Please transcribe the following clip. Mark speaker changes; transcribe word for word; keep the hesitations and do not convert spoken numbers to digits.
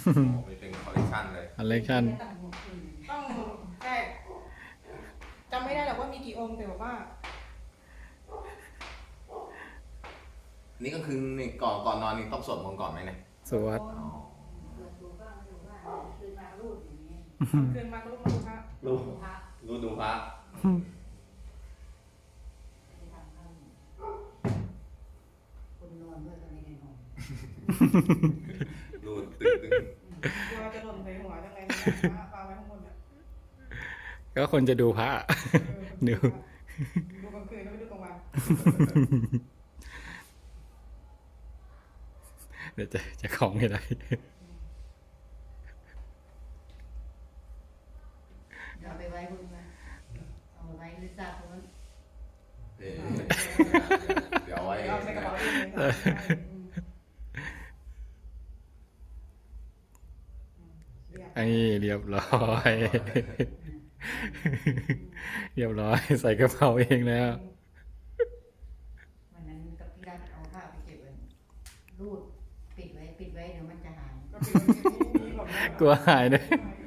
Speaker 1: มีเป็นคอลเลคชันเลย
Speaker 2: คอลเลคชัน
Speaker 3: ต้องใช่จำไม่ได้หรอกว่ามีกี่องค์แต่แบบว่า
Speaker 1: นี่ก็คือนี่ก่อนก่อนนอนนี่ต้องสวดมนต์ก่อนไหมเนี่ย
Speaker 2: สวด
Speaker 1: อ๋อ
Speaker 3: คืนมาก็ลูกมาดูพระ
Speaker 1: รู้รู้ดูพระ
Speaker 4: คนนอนด้วยก็ไม่ได้นอน
Speaker 1: รู้ตึงตึง
Speaker 3: กลัวจะหล่นใส่หัวจังเลยนะปาไว้ข้างบนเนี่ย
Speaker 2: ก็คนจะดูพระ ดู
Speaker 3: ดูกลางคืนก็ไม่ดูกลางวัน
Speaker 2: เดี๋ยวจะจะของให้ได้
Speaker 4: เอาไปไว้คุณนะเอาไว้หรือทราบเพราะว่า
Speaker 1: เอ๊ะเดี๋ยวเอาไว้
Speaker 3: เอาใส่กระเป๋าเองเลย
Speaker 2: ไอ้เรียบร้อย เรียบร้อยใส่กระเป๋าเองแล้ว
Speaker 4: วันนั้นกับพี่รัฐเอาผ้าไปเก็บไว้รูดปิดไว้ปิดไว้เดี๋ยวมันจะหาย
Speaker 3: ก็เป็นที่นี่ผม
Speaker 2: กลัวหายด้วย
Speaker 3: ไ